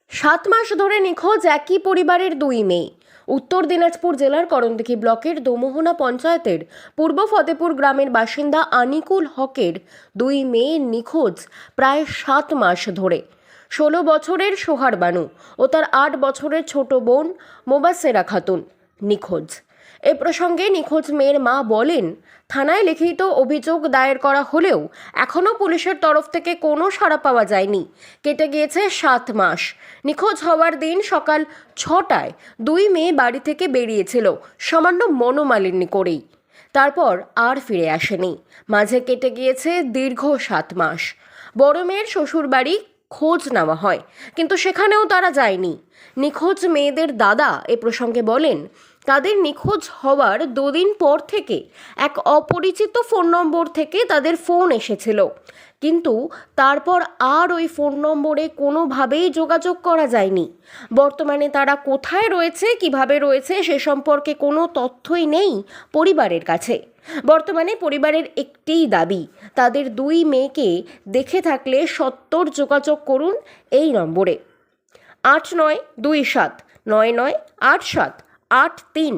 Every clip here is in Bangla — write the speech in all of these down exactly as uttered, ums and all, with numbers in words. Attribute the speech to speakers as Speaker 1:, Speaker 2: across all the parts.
Speaker 1: সাত মাস ধরে নিখোঁজ একই পরিবারের দুই মেয়ে। উত্তর দিনাজপুর জেলার করণদিঘি ব্লকের দোমোহনা পঞ্চায়েতের পূর্ব ফতেপুর গ্রামের বাসিন্দা আনিকুল হকের দুই মেয়ে নিখোঁজ প্রায় সাত মাস ধরে। ষোলো বছরের সোহার বানু ও তার আট বছরের ছোট বোন মোবাসেরা খাতুন নিখোঁজ। এ প্রসঙ্গে নিখোঁজ মেয়ের মা বলেন, থানায় লিখিত অভিযোগ দায়ের করা হলেও এখনও পুলিশের তরফ থেকে কোনো সাড়া পাওয়া যায়নি। কেটে গিয়েছে সাত মাস। নিখোঁজ হওয়ার দিন সকাল ছটায় দুই মেয়ে বাড়ি থেকে বেরিয়েছিল সামান্য মনোমালিন্য করেই। তারপর আর ফিরে আসেনি। মাঝে কেটে গিয়েছে দীর্ঘ সাত মাস। বড় মেয়ের শ্বশুর বাড়ি খোঁজ নেওয়া হয়, কিন্তু সেখানেও তারা যায়নি। নিখোঁজ মেয়েদের দাদা এ প্রসঙ্গে বলেন, তাদের নিখোঁজ হওয়ার দুদিন পর থেকে এক অপরিচিত ফোন নম্বর থেকে তাদের ফোন এসেছিল, কিন্তু তারপর আর ওই ফোন নম্বরে কোনোভাবেই যোগাযোগ করা যায়নি। বর্তমানে তারা কোথায় রয়েছে, কিভাবে রয়েছে সে সম্পর্কে কোনো তথ্যই নেই পরিবারের কাছে। বর্তমানে পরিবারের একটিই দাবি, তাদের দুই মেয়েকে দেখে থাকলে সত্বর যোগাযোগ করুন এই নম্বরে আট নয় দুই সাত নয় নয় আট সাত আট তিন।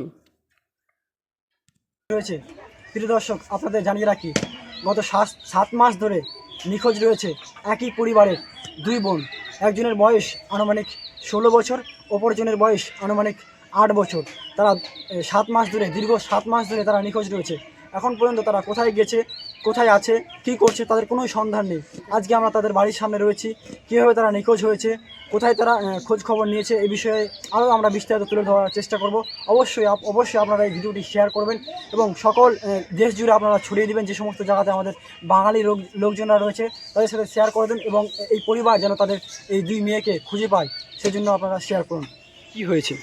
Speaker 2: রয়েছে প্রিয় দর্শক, আপনাদের জানিয়ে রাখি, গত সাত সাত মাস ধরে নিখোঁজ রয়েছে একই পরিবারের দুই বোন। একজনের বয়স আনুমানিক ষোলো বছর, অপরজনের বয়স আনুমানিক আট বছর। তারা সাত মাস ধরে দীর্ঘ সাত মাস ধরে তারা নিখোঁজ রয়েছে। এখন পর্যন্ত তারা কোথায় গেছে, কোথায় আছে, কী করছে, তাদের কোনো সন্ধান নেই। আজকে আমরা তাদের বাড়ির সামনে রয়েছি। কীভাবে তারা নিখোঁজ হয়েছে, কোথায় তারা খোঁজ খবর নিয়েছে, এই বিষয়ে আরও আমরা বিস্তারিত তুলে ধরার চেষ্টা করব। অবশ্যই অবশ্যই আপনারা এই ভিডিওটি শেয়ার করবেন এবং সকল দেশ জুড়ে আপনারা ছড়িয়ে দেবেন। যে সমস্ত জায়গাতে আমাদের বাঙালি লোক লোকজনরা রয়েছে তাদের সাথে শেয়ার করে দেন এবং এই পরিবার যেন তাদের এই দুই মেয়েকে খুঁজে পায়, সেজন্য আপনারা শেয়ার করুন। কি হয়েছে?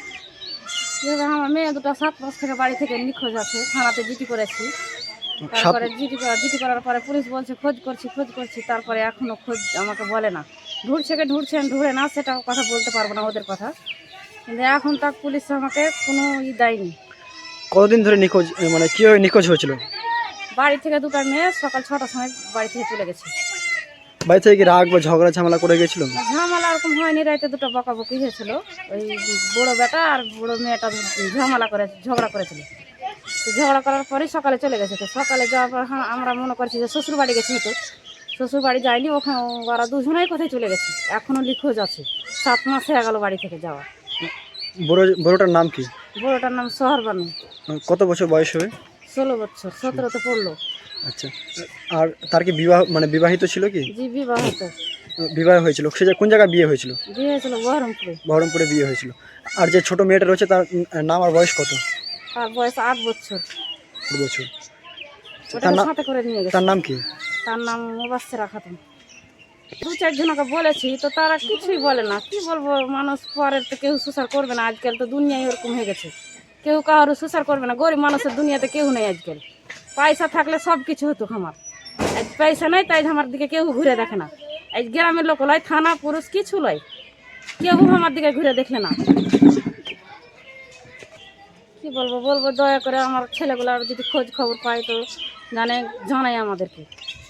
Speaker 3: আমার মেয়ে দুটো সাত মাস থেকে বাড়ি থেকে নিখোঁজ আছে, থানাতে জিডি করেছি। তারপরে জিডি জিডি করার পরে পুলিশ বলছে খোঁজ করছি খোঁজ করছি তারপরে এখনো খোঁজ আমাকে বলে না। ঢুঁড়ছে কে ঢুঁড়ছেন ঢুঁড়ে না, সেটা কথা বলতে পারবো না ওদের কথা, কিন্তু এখন তার পুলিশ আমাকে কোনো ই দেয়নি।
Speaker 2: কতদিন ধরে নিখোঁজ, মানে কীভাবে নিখোঁজ হয়েছিল?
Speaker 3: বাড়ি থেকে দুটো মেয়ে সকাল ছটার সময় বাড়ি থেকে চলে গেছে।
Speaker 2: বাড়ি থেকে কি রাগ বা ঝগড়া ঝামেলা করে গেছিল?
Speaker 3: ঝামেলা ওরকম হয়নি, রাইতে দুটো বকাবকি হয়েছিল। ওই বড়ো বেটা আর বড়ো মেয়েটা ঝামেলা করে ঝগড়া করেছিল। তো ঝগড়া করার পরেই সকালে চলে গেছে। তো সকালে যাওয়ার পর আমরা মনে করছি যে শ্বশুর বাড়ি গেছে, হতো শ্বশুর বাড়ি যায়নি, ওখানে ওরা দুজনেই কোথায় চলে গেছে, এখনও নিখোঁজ আছে। সাত মাস হয়ে গেল বাড়ি থেকে যাওয়া।
Speaker 2: বড় বড়টার নাম কি?
Speaker 3: বড়োটার নাম সোহার বানু।
Speaker 2: কত বছর বয়স হবে?
Speaker 3: ষোলো বছর, সতেরোতে পড়লো।
Speaker 2: আচ্ছা, আর তার কি বিবাহ, মানে বিবাহিত ছিল কি?
Speaker 3: জি বিবাহিত।
Speaker 2: বিবাহ হয়েছিল। সে কোন জায়গায় বিয়ে হয়েছিল?
Speaker 3: বিয়ে হয়েছিল বহরমপুরে।
Speaker 2: বহরমপুরে বিয়ে হয়েছিল। আর যে ছোট মেয়েটা রয়েছে তার নাম আর বয়স কত?
Speaker 3: তার বয়স আট বছর।
Speaker 2: আট বছর।
Speaker 3: ওটাকে সাথে করে নিয়ে গেছে।
Speaker 2: তার নাম কি?
Speaker 3: তার নাম মোবাসেরা খাতুন। দু চারজনকে বলেছি তো তারা কিছুই বলে না। কি বলবো, মানুষ পরের তো কেউ সুসার করবে না। আজকাল তো দুনিয়ায় ওরকম হয়ে গেছে, কেউ কারো সুসার করবে না। গরিব মানুষের দুনিয়াতে কেউ নেই আজকাল। পয়সা থাকলে সব কিছু হতো আমার। আজ পয়সা নেই, তাই আমার দিকে কেউ ঘুরে দেখে না। আজ গ্রামের লোক লয়, থানা পুরুষ কিছু লয়, কেউ আমার দিকে ঘুরে দেখলে না। কি বলবো বলবো দয়া করে আমার ছেলেগুলার যদি খোঁজ খবর পাই তো জানে জানাই আমাদেরকে।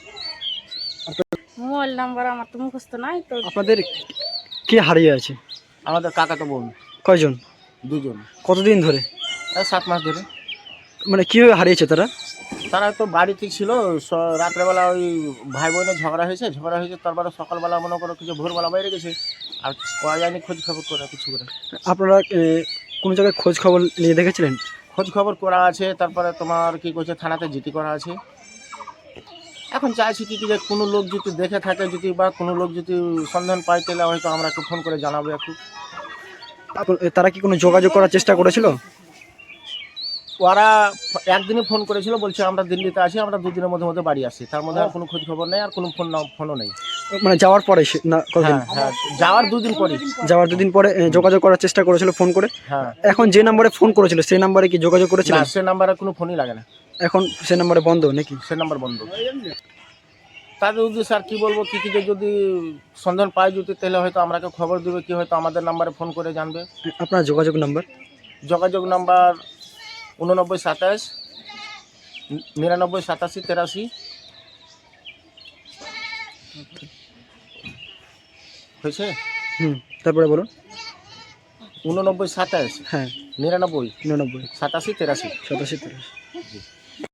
Speaker 3: মোবাইল নাম্বার আমার তো মুখস্থ নাই। তো
Speaker 2: আপনাদের কে হারিয়ে আছে?
Speaker 4: আমাদের কাকা তো বোন
Speaker 2: কয়জন?
Speaker 4: দুজন।
Speaker 2: কতদিন ধরে?
Speaker 4: সাত মাস ধরে।
Speaker 2: মানে কীভাবে হারিয়েছে তারা?
Speaker 4: তারা তো বাড়িতে ছিল, রাত্রেবেলা ওই ভাই বোনের ঝগড়া হয়েছে ঝগড়া হয়েছে তারপরে সকালবেলা মনে করো কিছু ভোরবেলা বাইরে গেছে, আর পাওয়া যায়নি খোঁজ খবর করে কিছু করে।
Speaker 2: আপনারা কোনো জায়গায় খোঁজ খবর নিয়ে দেখেছিলেন?
Speaker 4: খোঁজ খবর করা আছে, তারপরে তোমার কি করছে থানাতে জিডি করা আছে। এখন চাইছি কি কি যে কোনো লোক যদি দেখে থাকে, যদি বা কোনো লোক যদি সন্ধান পাই তাহলে হয়তো আমরা একটু ফোন করে জানাবো একটু।
Speaker 2: তারা কি কোনো যোগাযোগ করার চেষ্টা করেছিল?
Speaker 4: ওরা একদিনই ফোন করেছিল, বলছে আমরা দিল্লিতে আছি, আমরা দুদিনের মধ্যে মধ্যে বাড়ি আসছি। তার মধ্যে আর কোনো খোঁজ খবর নেই, আর কোনো ফোন ফোনও নেই।
Speaker 2: মানে যাওয়ার পরে না?
Speaker 4: হ্যাঁ হ্যাঁ, যাওয়ার দুদিন পরে।
Speaker 2: যাওয়ার দুদিন পরে যোগাযোগ করার চেষ্টা করেছিল ফোন করে।
Speaker 4: হ্যাঁ,
Speaker 2: এখন যে নম্বরে ফোন করেছিল সেই নম্বরে কি যোগাযোগ করেছিল?
Speaker 4: না, সে নাম্বারে কোনো ফোনই লাগে না।
Speaker 2: এখন সে নম্বরে বন্ধ নাকি?
Speaker 4: সে নাম্বার বন্ধ। তাদের উদ্দেশ্যে আর কি বলবো, কি কি যে যদি সন্ধান পাই যদি তাহলে হয়তো আমাকে খবর দেবে, কি হয়তো আমাদের নাম্বারে ফোন করে জানবে।
Speaker 2: আপনার যোগাযোগ নাম্বার?
Speaker 4: যোগাযোগ নাম্বার উননব্বই সাতাশ নিরানব্বই সাতাশি তেরাশি। হয়েছে।
Speaker 2: হুম তারপরে বলুন।
Speaker 4: উননব্বই সাতাশ
Speaker 2: হ্যাঁ
Speaker 4: নিরানব্বই
Speaker 2: নিরানব্বই
Speaker 4: সাতাশি তেরাশি।
Speaker 2: সাতাশি তিরাশি।